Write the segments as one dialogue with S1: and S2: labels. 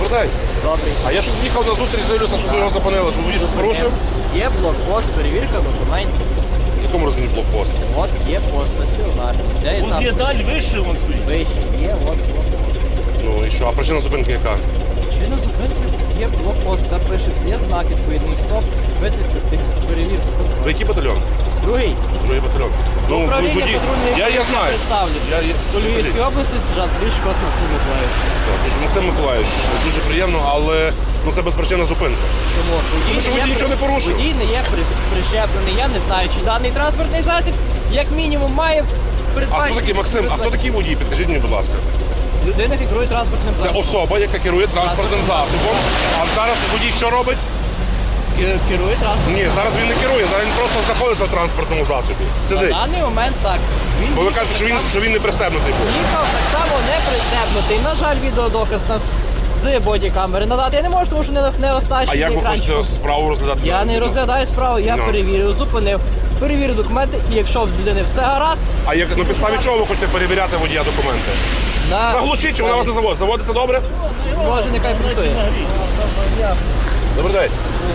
S1: Добрий день.
S2: Добрий.
S1: А я щось їхав на зустріч, дивлюся, що ви його зупинили, що водій щось порушив.
S2: Є блокпост, перевірка документів.
S1: В якому розумі блокпост?
S2: От є пост стаціонарний. Де і там
S3: Далі вище вон стоїть.
S2: вище. Є от блокпост.
S1: Ну і що, а причина зупинки яка?
S2: Чи на зупинці є блокпост, там пишеться, є знак відповідний, стоп, витриться перевірку.
S1: Ви який батальйон?
S2: Другий.
S1: Другий батальйон. Ну,
S2: Управління
S1: водій.
S2: патрульної
S1: Я знаю.
S2: представлюся.
S1: Я-
S2: До Львівської області сержант Лішкос Максим Миколаївич.
S1: Так, дуже, Максим Миколаївич, дуже приємно, але ну, це безпричинна зупинка.
S2: Чому?
S1: Тому що водій нічого не порушив.
S2: Водій не є прищеплений. Я не знаю, чи даний транспортний засіб, як мінімум, має
S1: А
S2: передбачити...
S1: хто такий Максим? А хто такий водій? Підкажіть мені, будь ласка.
S2: Людина, яка керує транспортним
S1: Це
S2: засобом.
S1: особа, яка керує транспортним засобом. А зараз водій що робить?
S2: Керує транспортним.
S1: Ні, зараз він не керує, зараз він просто знаходиться в транспортному засобі.
S2: На
S1: Сидить.
S2: даний момент так. Він
S1: Бо ви
S2: їхав
S1: кажете,
S2: так само-
S1: що він не пристебнутий був.
S2: їхав так само не пристебнутий. На жаль, відеодоказ нас з бодікамери надати. Я не можу, тому що не
S1: А
S2: оснащений
S1: як ви
S2: екранчиком.
S1: хочете справу розглядати?
S2: Я не розглядаю справу, я
S1: Ну.
S2: перевірив, зупинив. Перевірив документи, і якщо в людини все гаразд,
S1: А як на підставі чого ви хочете перевіряти водія документи?
S2: на...
S1: Заглушіть, чи вона вас не заводить. Заводиться добре?
S2: Може, нехай працює.
S1: Добрий день.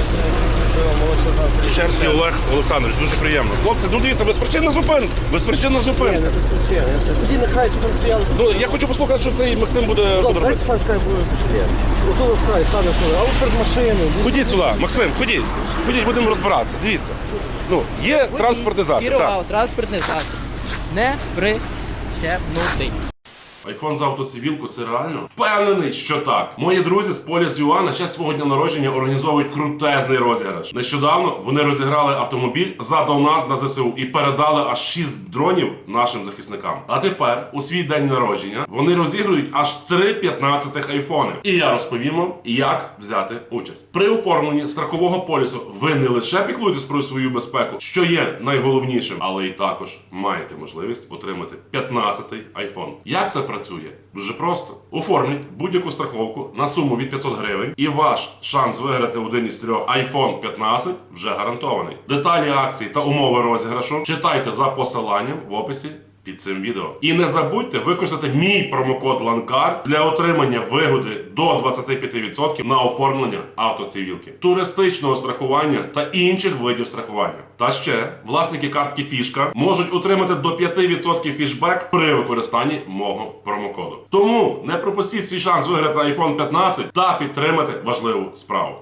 S1: Чечерський Олег Олександрович, дуже приємно. Хлопці, ну дивіться, безпричинна зупинка. Безпричинна зупинка.
S4: Тоді на край, щоб стояли.
S1: Ну, я хочу послухати, що цей Максим буде робити.
S4: Дайте сам скай буде пішли. Ото на край, стане сюди. А от перед машиною.
S1: Ходіть сюди, Максим, ходіть. Ходіть, будемо розбиратися. Дивіться. Ну, є транспортний засіб. Так.
S2: Керував транспортний засіб. Не прищепнутий.
S1: Айфон за автоцивілку це реально? Впевнений, що так. Мої друзі з Polis.ua на честь свого дня народження організовують крутезний розіграш. Нещодавно вони розіграли автомобіль за донат на ЗСУ і передали аж 6 дронів нашим захисникам. А тепер, у свій день народження, вони розігрують аж 3 15-х айфони. І я розповім вам, як взяти участь. При оформленні страхового полісу ви не лише піклуєтесь про свою безпеку, що є найголовнішим, але й також маєте можливість отримати 15-й айфон. Як це працює? Дуже просто. Оформіть будь-яку страховку на суму від 500 гривень і ваш шанс виграти один із 3 iPhone 15 вже гарантований. Деталі акції та умови розіграшу читайте за посиланням в описі під цим відео. І не забудьте використати мій промокод LANCAR для отримання вигоди до 25% на оформлення автоцивілки, туристичного страхування та інших видів страхування. Та ще власники картки Фішка можуть отримати до 5% фішбек при використанні мого промокоду. Тому не пропустіть свій шанс виграти iPhone 15 та підтримати важливу справу.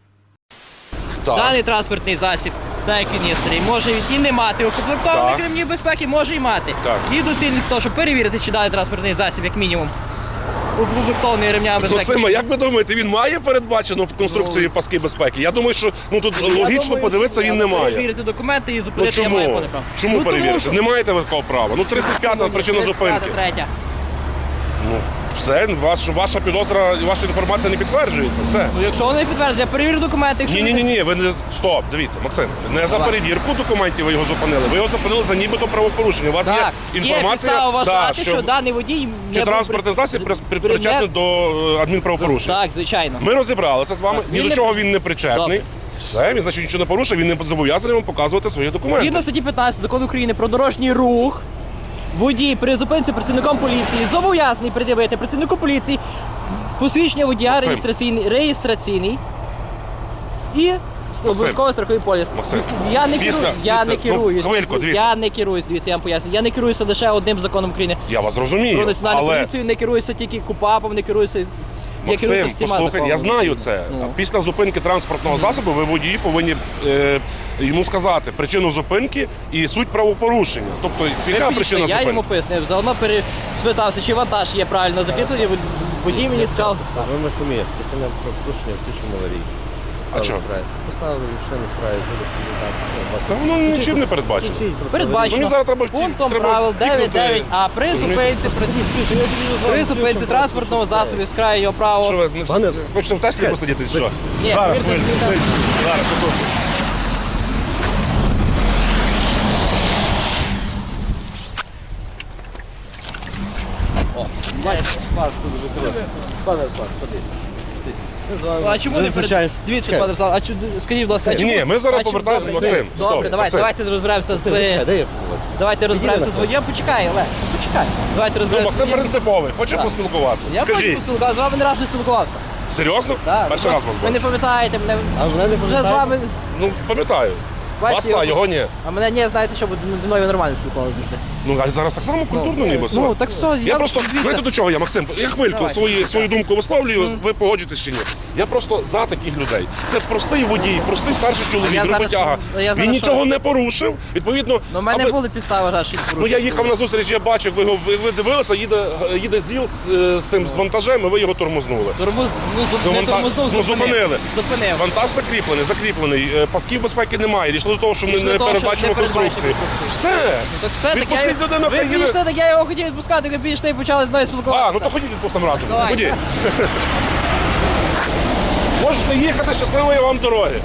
S2: Даний транспортний засіб, так як він є старий, може і не мати укомплектованих
S1: Так.
S2: ремнів безпеки, може і мати.
S1: Так.
S2: І доцільність того, щоб перевірити, чи даний транспортний засіб, як мінімум, укомплектований ремнями безпеки.
S1: Максима, як ви думаєте, він має передбачену в конструкції паски безпеки? Я думаю, що тут
S2: Я
S1: логічно
S2: думаю,
S1: подивитися,
S2: що
S1: він не має.
S2: Перевірити документи і
S1: Ну
S2: зупинити я маю
S1: чому?
S2: повне право.
S1: Чому
S2: Ну,
S1: перевірити?
S2: тому що-
S1: Не маєте ви такого права. Ну 35-та причина
S2: 35-та,
S1: зупинки.
S2: третя.
S1: Ну, все, ваша підозра і ваша інформація не підтверджується. Все.
S2: Ну, якщо вони підтверджують, я перевірю документи. Якщо
S1: Ні, ви не стоп. Дивіться, Максим, не за перевірку документів ви його зупинили. Ви його зупинили за нібито правопорушення. У вас
S2: Так,
S1: є
S2: є
S1: інформація,
S2: підстава вважати,
S1: да,
S2: що даний водій
S1: чи
S2: не був
S1: транспортний засіб причетний до адмінправопорушення.
S2: Так, звичайно.
S1: Ми розібралися з вами.
S2: Так,
S1: Ні
S2: він
S1: до
S2: не-
S1: чого він не причетний.
S2: Добре.
S1: Все, він значить нічого не порушив, він не зобов'язаний вам показувати свої документи.
S2: Згідно статті 15 Закону України про дорожній рух, водій при зупинці працівником поліції зобов'язаний пред'явити працівнику поліції посвідчення водія
S1: Максим.
S2: реєстраційний і обов'язковий страховий поліс.
S1: Максим.
S2: Я не
S1: Після-
S2: керую, я не
S1: після-
S2: керуюсь.
S1: ну, хвильку, дивіться.
S2: Я не керуюсь, дивіться, я вам поясню. Я не керуюся лише одним законом України.
S1: Я вас розумію,
S2: Про національну
S1: але
S2: поліцію не керуюся тільки КУПАПом, не керуюся. Я керуюся
S1: Максим,
S2: всіма
S1: послухайте,
S2: законами.
S1: я знаю це.
S2: Ну.
S1: Після зупинки транспортного засобу ви водії повинні йому сказати причину зупинки і суть правопорушення. Тобто, яка
S2: Ви підійшли,
S1: причина
S2: я
S1: зупинки?
S2: йому пояснив, заодно перепитався, чи вантаж є правильно закріплений, водій мені сказав.
S4: Ви ми самі. Припинемо про порушення, включимо аварійку.
S1: А чого?
S4: Поставили машину вправі, буде
S1: Та воно нічим не передбачено.
S2: Передбачено
S1: Мені зараз треба
S2: пунктом
S1: треба
S2: правил
S1: кікнути.
S2: 9.9, а при
S1: Розумієте?
S2: зупинці транспортного засобу з краю його
S1: Що
S2: право.
S1: ви
S4: Пане-
S1: хочете в Теслі посидіти? чи Що?
S2: Ні,
S1: Зараз,
S2: повірте,
S1: хвильку,
S2: він там-
S1: хвильку. Зараз, секунду.
S4: Пане Руслан, подивіться. Ми з вами
S2: А чому не
S4: зустрічаємося.
S2: Дивіться,
S4: Чекай.
S2: пане Руслан, а скажіть, будь ласка,
S1: Ні, ми зараз повертаємо Максим.
S2: Добре,
S1: Стоп,
S2: давайте,
S1: Максим.
S2: розберемося
S4: Чекай,
S2: з...
S4: де я?
S2: Давайте розберемося з
S4: Підійди,
S2: водієм. Почекай, Олег, почекай. Давайте
S1: Ну,
S2: розберемося з
S1: Максим
S2: водієм.
S1: принциповий, хоче
S2: Так.
S1: поспілкуватися.
S2: Я хочу
S1: Кажіть.
S2: поспілкуватися, з вами не раз не спілкувався.
S1: Серйозно?
S2: Так,
S1: Перший раз вас
S2: ви не
S1: бачу.
S2: пам'ятаєте мене.
S4: А мене не
S2: Вже з
S4: пам'ятаєте?
S2: вами.
S1: Ну, пам'ятаю.
S2: Бачите,
S1: Вас та, його ні.
S2: А мене не знаєте, що зі мною нормально спілкувалися завжди.
S1: Ну, а зараз так само культурно ніби все.
S2: Ну, так все,
S1: Я просто, знаєте до чого я, Максим? Я хвильку
S2: Давайте.
S1: свою думку висловлюю, ви погоджуєтесь чи ні. Я просто за таких людей. Це простий водій, простий старший чоловік,
S2: я зараз-
S1: роботяга.
S2: я зараз
S1: Він нічого
S2: що?
S1: не порушив. Відповідно,
S2: Ну, в мене
S1: аби-
S2: були підстави вважати, що
S1: Ну я їхав на зустріч, я бачив, ви дивилися, їде ЗІЛ з тим з вантажем, і ви його тормознули.
S2: Тормоз,
S1: Ну,
S2: не
S1: вантаж-
S2: тормознув,
S1: ну,
S2: зупинив.
S1: зупинили.
S2: Зупинив.
S1: Вантаж закріплений, пасків безпеки немає. Дійшло до того, що ми
S2: Дійшло
S1: не
S2: до того, що
S1: передбачимо
S2: не передбачимо
S1: конструкції.
S2: конструкції.
S1: Все.
S2: Ну, так все, так
S1: Відпустіть людину,
S2: ви
S1: хай їде.
S2: підійшли, так я його хотів відпускати, ви підійшли і почали з мною спілкуватися.
S1: А, ну то ходіть відпустимо разом.
S2: Давай.
S1: Ходіть. Можете їхати, щасливої вам дороги.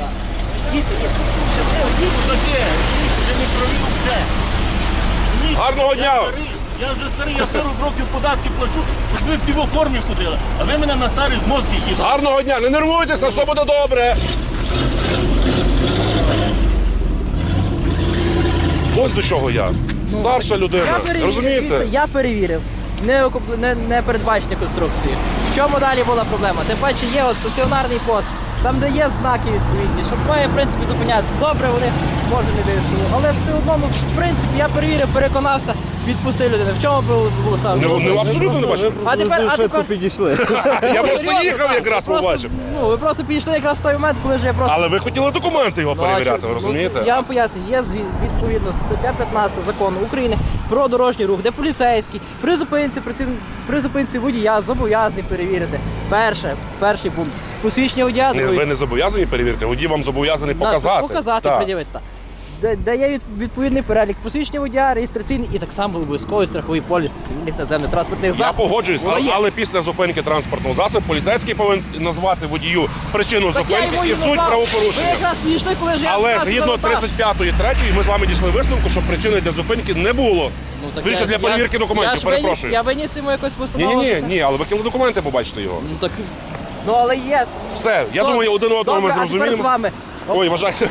S1: Гарного дня!
S3: Я вже старий, я 40 років податки плачу, щоб ви в тій формі ходили. А ви мене на старий мозки їдете.
S1: Гарного дня! Не нервуйтеся, все буде добре. Ось до чого я. Старша людина.
S2: Я перевірив,
S1: Розумієте?
S2: дивіться, я перевірив. Не передбачені конструкції. В чому далі була проблема? Тим паче є от стаціонарний пост, там де є знаки відповідні, щоб має в принципі зупинятися. Добре, вони може не вияснили. Але все одно, ну, в принципі, я перевірив, переконався, відпустив людину. В чому було саме?
S1: Ну, абсолютно не бачу.
S2: А тепер- а
S4: швидко
S2: тепер-
S4: підійшли.
S1: Я просто
S2: Серйозно,
S1: їхав
S2: так.
S1: якраз
S2: Ви просто-
S1: побачив.
S2: Ну, ви просто підійшли якраз в той момент, коли вже я просто...
S1: Але ви хотіли документи його
S2: Ну, а
S1: перевіряти,
S2: що?
S1: ви розумієте?
S2: Ну, я вам поясню, є відповідно стаття 15 закону України про дорожній рух, де поліцейський при зупинці водія зобов'язаний перевірити. Перший пункт. Посвідчення водія.
S1: Ні, ви не зобов'язані перевірити, водій вам зобов'язаний показати.
S2: Показати,
S1: Так.
S2: пред'явити. Так. Де є відповідний перелік посвідчення водія, реєстраційний і так само обов'язковий страховий поліс цивільних наземних транспортних
S1: Я
S2: засобів.
S1: погоджуюсь,
S2: Воно є.
S1: але після зупинки транспортного засобу поліцейський повинен назвати водію причину
S2: Так я
S1: зупинки
S2: йому
S1: і
S2: і
S1: суть
S2: назвав.
S1: правопорушення.
S2: Ви якраз підійшли, коли ж я
S1: Але
S2: якраз
S1: згідно
S2: завантаж.
S1: 35-ї, 3-ї, ми з вами дійшли висновку, що причини для зупинки не було.
S2: Ну, так
S1: Більше для перевірки документів, перепрошую.
S2: Я виніс йому якось постанову.
S1: Ні, але ви кинули документи, побачите його.
S2: Ну так. Ну але є.
S1: Все, я
S2: Добре.
S1: думаю, один одного ми
S2: Добре, а тепер з
S1: зрозуміємо.
S2: вами.
S1: Ой, вважайте.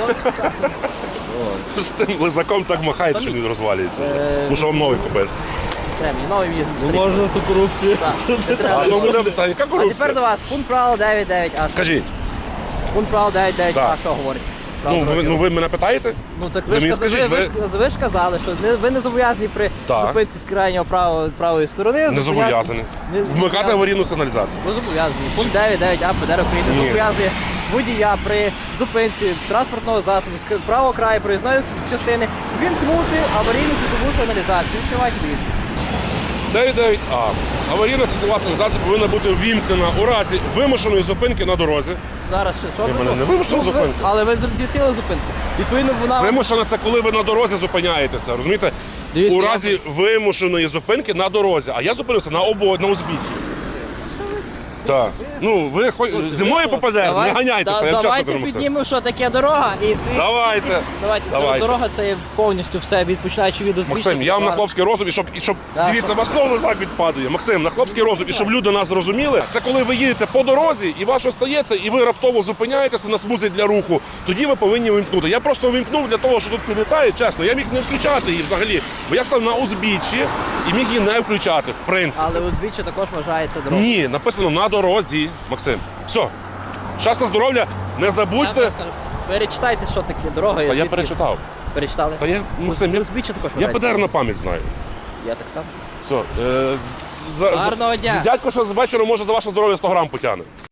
S1: З тим лизаком так махаєте, що він розвалюється. Мушу вам новий купити.
S2: Премії, новий в'їзд.
S4: Можна ту корупцію.
S2: Не треба.
S1: А ну буде, та яка
S2: А тепер
S1: корупція?
S2: до вас. Пункт правил 9.9а.
S1: Кажіть,
S2: Пункт правил 9.9а,
S1: Так.
S2: що говорить?
S1: ну ви мене питаєте?
S2: Ну так
S1: ви
S2: ви
S1: мені
S2: ж
S1: скажіть,
S2: ви ж казали, що ви не зобов'язані при
S1: Так.
S2: зупинці з крайнього правої сторони.
S1: Не зобов'язаний.
S2: Не
S1: Вмикати
S2: зобов'язаний.
S1: аварійну сигналізацію.
S2: Ви зобов'язані. Пункт 9.9а ПДР України
S1: Ні.
S2: зобов'язує водія при зупинці транспортного засобу з правого краю проїзної частини вімкнути аварійну світлову сигналізацію. Відкривайте, дивіться.
S1: 9.9а. Аварійна світлова сигналізація повинна бути ввімкнена у разі вимушеної зупинки на дорозі.
S2: Зараз ще що?
S1: мене не вимушено зупинити.
S2: Але ви здійснили зупинку. Відповідно, вона...
S1: Вимушена це коли ви на дорозі зупиняєтеся, розумієте?
S2: Дивіться,
S1: У
S2: я-
S1: разі вимушеної зупинки на дорозі. А я зупинився на узбіччі. Так. Ну, ви зі мною попадете, не ганяйтеся, я чесно
S2: Давайте
S1: кажу, Максим.
S2: піднімемо, що таке дорога. І ці...
S1: Давайте. Давайте.
S2: Дорога це є повністю все, відпочинаючи від узбіччя.
S1: Максим, я вам на хлопський розум, і щоб
S2: Так.
S1: дивіться, вас знову лизак відпадає. Максим, на хлопський розум, і щоб люди нас зрозуміли, це коли ви їдете по дорозі, і вас щось стається, і ви раптово зупиняєтеся на смузі для руху, тоді ви повинні вимкнути. Я просто вимкнув для того, що тут всі літають, чесно, я міг не включати її взагалі, бо я став на узбіччі і міг її не включати, в принципі.
S2: Але узбіччя також вважається дорогою.
S1: Ні, написано на дорозі, Максим. Все. Щастя, здоров'я, не
S2: Я
S1: забудьте.
S2: вам скажу, перечитайте, що таке дорога.
S1: Та я
S2: звідки-
S1: перечитав.
S2: Перечитали?
S1: Та я, Максим, я
S2: Узбіччя також
S1: я
S2: вважається.
S1: ПДР на пам'ять знаю.
S2: Я так само.
S1: Все.
S2: Гарного дня.
S1: Дядько, що з вечора може за ваше здоров'я 100 грам потягне.